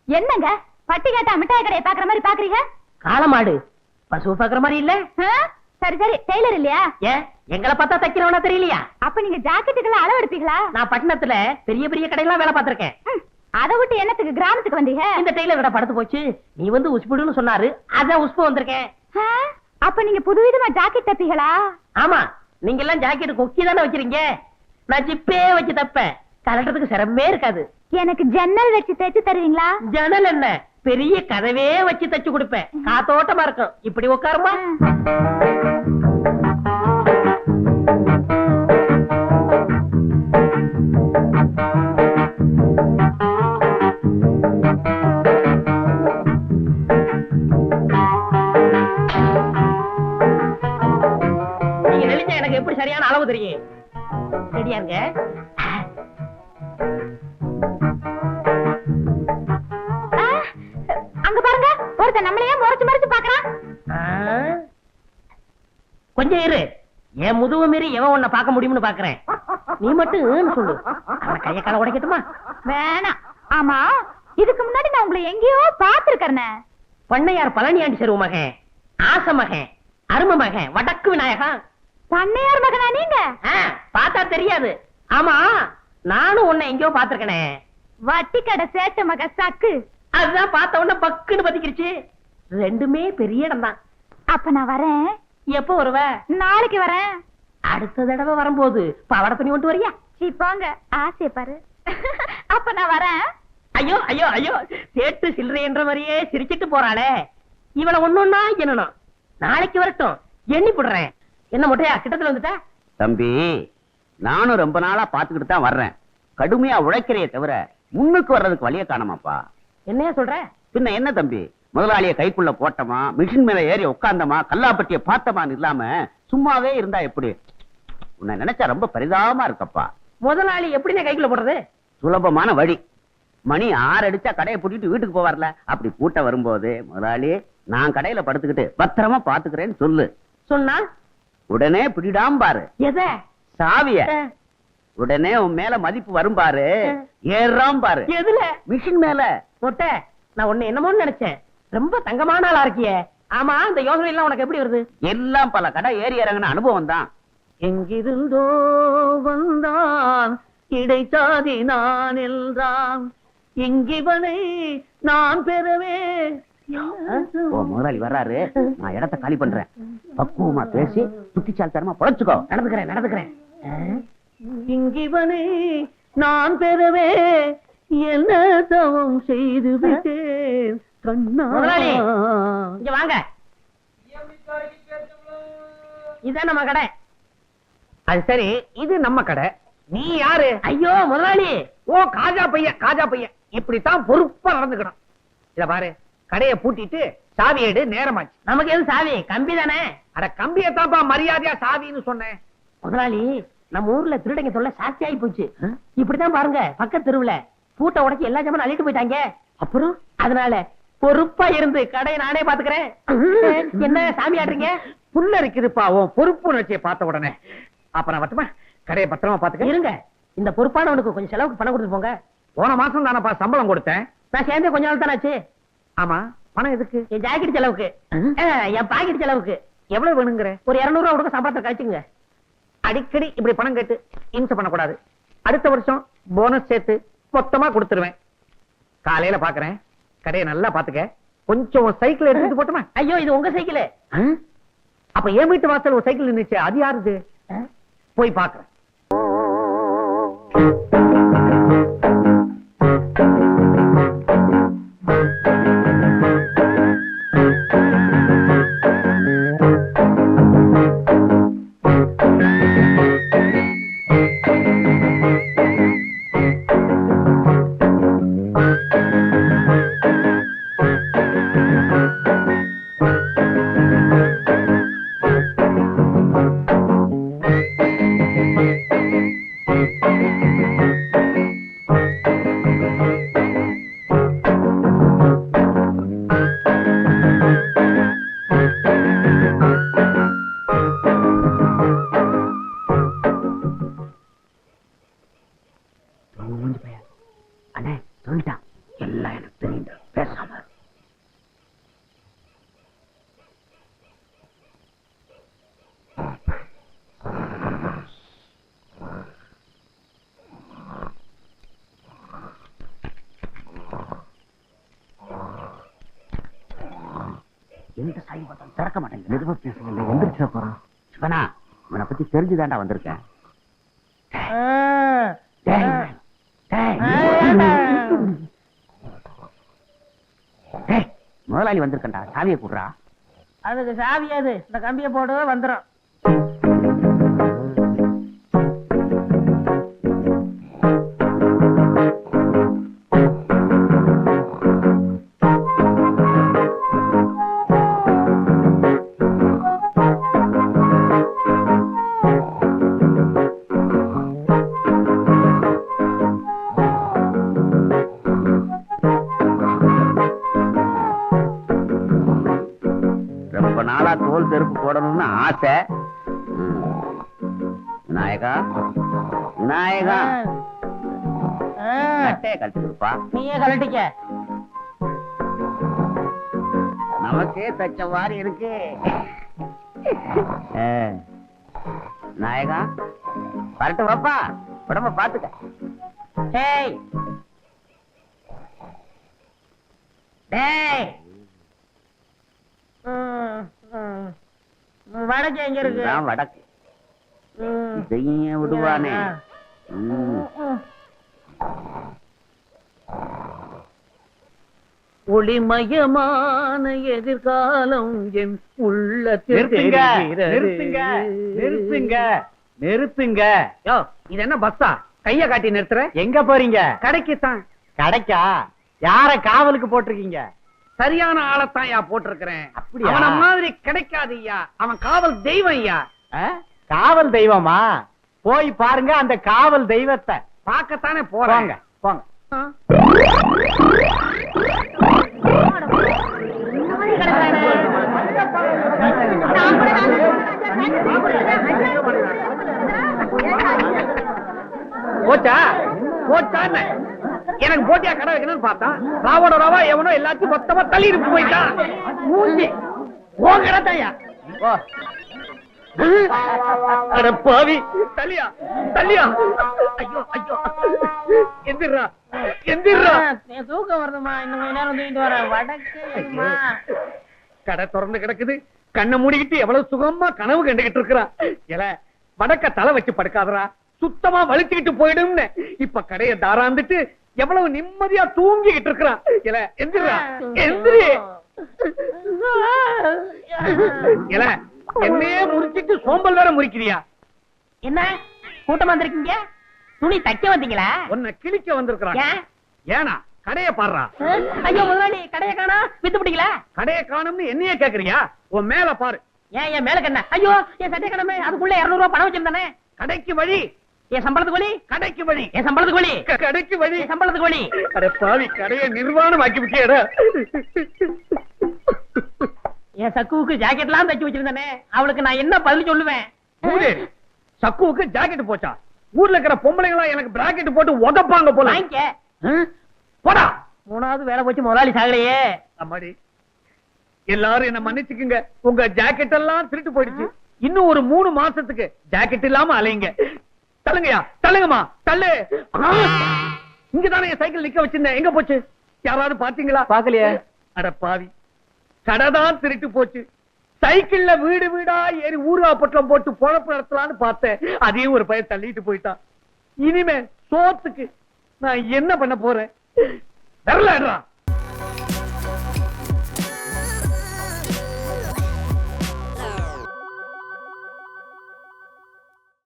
என்னங்க பட்டி கேட்டா மிட்டாய் கடையை பாக்குற மாதிரி பாக்குறீங்க? காளமாடு பசு பாக்குற மாதிரி இல்ல. சரி சரி, டெய்லர் இல்லையா? ஏன் எங்களை பார்த்தா தைக்கிறவனா தெரியலையா? அப்ப நீங்க ஜாக்கெட்டுக்கெல்லாம் அளவு எடுப்பீங்களா? நான் பட்டணத்துல பெரிய பெரிய கடையெல்லாம் வேலை பார்த்திருக்கேன். அதை விட்டு என்னத்துக்கு கிராமத்துக்கு வந்தீங்க? இந்த டெய்லர் கடை படுத்து போச்சு, நீ வந்து உஸ்புடுன்னு சொன்னாரு, அதான் உஸ்பு வந்திருக்கேன். அப்ப நீங்க புதுவிதமா ஜாக்கெட் தப்பீங்களா? ஆமா, நீங்க எல்லாம் ஜாக்கெட் கொக்கி தானே வச்சிருக்கீங்க, நான் ஜிப்பே வச்சு தப்பேன். கலட்டுறதுக்கு சிரமமே இருக்காது. எனக்கு ஜன்னல் வச்சு தைச்சு தருவீங்களா? ஜன்னல் என்ன, பெரிய கதவே வச்சு தச்சு கொடுப்பேன், காத்தோட்டமா இருக்கும். இப்படி உட்காருமா. நீங்க நெளிஞ்சா எனக்கு எப்படி சரியான அளவு தெரியும். சரியாங்க. அங்க பாருங்க, ஒருத்தன் நம்மளையே முறைச்சு முறைச்சு பாக்குறான். கொஞ்சம் இரு, என் முதுகு மீறி எவன் உன்னை பார்க்க முடியும்னு பாக்குறேன். நீ மட்டும் சொல்லு, அவன் கைய கால உடைக்கட்டுமா? வேணாம். ஆமா, இதுக்கு முன்னாடி நான் உங்களை எங்கேயோ பாத்துருக்கேன். பண்ணையார் பழனியாண்டி செருவு மகன், ஆச மகன், அரும மகன், வடக்கு விநாயகா. பண்ணையார் மகனா நீங்க? பார்த்தா தெரியாது. ஆமா, நானும் உன்னை எங்கேயோ பாத்துருக்கனே. வட்டி கடை சேட்ட மக சக்கு. அதுதான் பார்த்த உடனே பக்குன்னு பத்திக்கிருச்சு. ரெண்டுமே பெரிய இடம் தான். அப்ப நான் வரேன். எப்போ வருவ? நாளைக்கு வரேன். அடுத்த தடவை வரும்போது பாவாடை துணி கொண்டு வரியா? போங்க, ஆசைய பாரு. அப்ப நான் வரேன். ஐயோ ஐயோ ஐயோ, சேட்டு சில்லறை என்ற மாதிரியே சிரிச்சிட்டு போறாளே. இவளை ஒன்னொன்னா என்னணும். நாளைக்கு வரட்டும், எண்ணி போடுறேன். என்ன மொட்டையா கிட்டத்துல வந்துட்ட? தம்பி, நானும் ரொம்ப நாளா பாத்துக்கிட்டு தான் வர்றேன். கடுமையா உழைக்கிறைய தவிர முன்னுக்கு வர்றதுக்கு வழிய காணமாப்பா. என்னையா சொல்ற? பின்ன என்ன தம்பி, முதலாளிய கைக்குள்ள போட்டமா, மிஷின் மேல ஏறி உட்கார்ந்தமா, கல்லாப்பட்டிய பார்த்தமான்னு இல்லாம சும்மாவே இருந்தா எப்படி? உன்னை நினைச்சா ரொம்ப பரிதாபமா இருக்கப்பா. முதலாளி எப்படின்னு கைக்குள்ள போடுறது? சுலபமான வழி. மணி 6 அடிச்சா கடையை பூட்டிட்டு வீட்டுக்கு போவார்ல, அப்படி பூட்ட வரும்போது, முதலாளி நான் கடையில படுத்துக்கிட்டு பத்திரமா பாத்துக்கிறேன்னு சொல்லு. சொன்னா உடனே பிடிடாம பாரு எத? சாவிய. உடனே உன் மேல மதிப்பு வரும் பாரு, ஏறாம் பாரு. எதுல? மிஷின் மேல. மொட்டை, நான் உன்னை என்னமோன்னு நினைச்சேன். ரொம்ப தங்கமான ஆளா இருக்கியே. ஆமா, இந்த யோசனை எல்லாம் உனக்கு எப்படி வருது? எல்லாம் பல கடை ஏறி இறங்கின அனுபவம் தான். எங்கிருந்தோ வந்தான் இடைச்சாதி நான் என்றான், இங்கிவனை நான் பெறவே. ஓ, முதலாளி வர்றாரு, நான் இடத்த காலி பண்றேன். பக்குவமா பேசி புத்திசாலித்தனமா பொழைச்சுக்கோ. நடந்துக்கிறேன். இங்கிவனை நான் பெறவே என்ன தவம் செய்து விட்டேன் கண்ணா. முதலாளி இங்க வாங்க, இதான் நம்ம கடை. அது சரி, இது நம்ம கடை. நீ யாரு? ஐயோ முதலாளி. ஓ, காஜா பையன். இப்படித்தான் பொறுப்பா நடந்துக்கணும். இத பாரு, கடையை பூட்டிட்டு சாவி எடு, நேரமாச்சு. நமக்கு எது சாவி? கம்பி தானே. அட, கம்பியத்தான்ப்பா மரியாதையா சாவின்னு சொன்னேன். முதலாளி, நம்ம ஊர்ல திருடங்க தொல்லை சாஸ்தி ஆகி போச்சு. இப்படித்தான் பாருங்க, பக்கத்து தெருவுல பூட்டை உடைச்சு எல்லா ஜாமான் அள்ளிட்டு போயிட்டாங்க. அப்புறம் அதனால பொறுப்பா இருந்து கடையை நானே பாத்துக்கிறேன். என்ன சாமி ஆடுறீங்க? புல்ல இருக்குதுப்பா உன் பொறுப்பு நினைச்சிய பார்த்த உடனே. அப்ப நான் மட்டுமா கடையை பத்திரமா பாத்துக்க. இருங்க, இந்த பொறுப்பானவனுக்கு கொஞ்சம் செலவுக்கு பணம் கொடுத்து போங்க. போன மாசம் தானப்பா சம்பளம் கொடுத்தேன். நான் சேர்ந்தே கொஞ்ச நாள் தானே ஆச்சு. ஆமா, பணம் எதுக்கு? என் ஜாக்கெட் செலவுக்கு, என் பாக்கெட் செலவுக்கு. எவ்வளவு வேணுங்கிற? ஒரு 200 ரூபா கொடுக்க சம்பளத்தை கழிச்சுங்க. அடிக்கடி இப்படி பணம் கேட்டு இம்சை பண்ணக்கூடாது. அடுத்த வருஷம் போனஸ் சேர்த்து மொத்தமா கொடுத்துருவேன். காலையில பாக்குறேன். கடையை நல்லா பாத்துக்க. கொஞ்சம் சைக்கிள் எடுத்துட்டு போட்டுமா? ஐயோ, இது உங்க சைக்கிள். அப்ப என் வீட்டு வாசல் ஒரு சைக்கிள் நின்னுச்சு, அது யாருது? போய் பாக்குறேன். பேசாம எந்த சாய் பார்த்தாலும் திறக்க மாட்டேங்குது. மெதுவா பேசுங்க, எந்திரிச்சா போறான். சிவனா, இவனை பத்தி தெரிஞ்சுதான்டா வந்திருக்கேன். டேய், டேய். டேய், முதலாளி வந்திருக்கண்டா, சாவியை கூடுறா. அதுக்கு சாவியாது, இந்த கம்பியை போடு வந்துடும். ரொம்ப நாளா தோல் செருப்பு போடணும்னு ஆசை. விநாயகா, விநாயகா, கட்டையை கழட்டி கொடுப்பா. நீயே கழட்டிக்க. நமக்கே தச்ச மாதிரி இருக்கு. விநாயகா, வரட்டு வாப்பா, உடம்ப பாத்துக்க. டேய் டேய், வடக்கு எங்க இருக்கு? இதுதான் வடக்கு. இதையும் விடுவானே. ஒளிமயமான எதிர்காலம் என் உள்ளத்தில் நிறுத்துங்க. யோ, இது என்ன பஸ்ஸா? கைய காட்டி நிறுத்துற? எங்க போறீங்க? கடைக்கு தான். கடைக்கா? யார காவலுக்கு போட்டிருக்கீங்க? சரியான ஆளத்தான் யா போட்டிருக்கிறேன். அவன மாதிரி கிடைக்காது ஐயா. அவன் காவல் தெய்வம் ஐயா. காவல் தெய்வமா? போய் பாருங்க அந்த காவல் தெய்வத்தை. பார்க்கத்தானே போறாங்க. போங்க. போச்சா போச்சா? எனக்கு போட்டியா கடை வைக்கணும்னு பார்த்தா ராவோட ராவா எவனோ எல்லாத்தையும் மொத்தமா தள்ளி இருக்கு போயிட்டான். மூஞ்சி ஓ கடத்தாயா? அட பாவி, தள்ளியா தள்ளியா? ஐயோ ஐயோ, எந்திரா எந்திரா. தூக்கம் வருதுமா, இன்னும் கொஞ்ச நேரம் தூங்கிட்டு வர. வடக்கு கடை திறந்து கிடக்குது. கண்ணை மூடிக்கிட்டு எவ்வளவு சுகமா கனவு கண்டுகிட்டு இருக்கிறான். எல வடக்க தலை வச்சு படுக்காதரா, சுத்தமா வலிச்சுக்கிட்டு போயிடும்னு இப்ப கடையை தாராந்துட்டு எவ்வளவு நிம்மதியா தூங்கிக்கிட்டு இருக்கிறான். எல எந்திரா எந்திரி. எல என்னையே முறிச்சிட்டு சோம்பல் வேற முறிக்கிறியா? என்ன கூட்டமா வந்திருக்கீங்க? துணி தைக்க வந்தீங்களா? உன்னை கிழிக்க வந்திருக்கிறான். ஏனா கடையை பாடுறா. ஐயோ முதலாளி, கடையை காணா, வித்து பிடிக்கல. கடையை காணும்னு என்னையே கேக்குறியா? உன் மேல பாரு. ஏன் என் மேல கண்ண? ஐயோ, என் சட்டை கடமை, அதுக்குள்ள 200 ரூபாய் பணம் வச்சிருந்தானே. கடைக்கு வழி. என் சம்பளத்துக்கு வழி. கடைக்கு வழி. என் சம்பளத்துக்கு வழி. கடைக்கு வழி. என் சம்பளத்துக்கு வழி. அட பாவி, கடையை நிர்வாணம் ஆக்கி விட்டியடா. என் சக்குவுக்கு ஜாக்கெட்லாம் தைச்சு வச்சிருந்தானே, அவளுக்கு நான் என்ன பதில் சொல்லுவேன்? சக்குவுக்கு ஜாக்கெட் போச்சா? ஊர்ல இருக்கிற பொம்பளைங்களா எனக்கு பிராக்கெட் போட்டு உதப்பாங்க போல. வாங்கிக்க. போடா. 3வது வேலை போச்சு, முதலாளி சாகலையே. அம்மாடி, எல்லாரும் என்ன மன்னிச்சுக்குங்க. உங்க ஜாக்கெட் எல்லாம் திருட்டு போயிடுச்சு. இன்னும் ஒரு 3 மாசத்துக்கு ஜாக்கெட் இல்லாம அலையுங்க. தள்ளுங்கயா, தள்ளுங்கம்மா, தள்ளு. இங்கதானே என் சைக்கிள் நிக்க வச்சிருந்தேன், எங்க போச்சு? யாராவது பாத்தீங்களா? பாக்கலையே. அட பாவி, கடைதான் திருட்டு போச்சு. சைக்கிள்ல வீடு வீடா ஏறி ஊர்வா பொட்டலம் போட்டு பொழப்பு நடத்தலான்னு பார்த்தேன். அதையும் ஒரு பையன் தள்ளிட்டு போயிட்டான். இனிமே சோத்துக்கு நான் என்ன பண்ண போறேன்? வரலடா.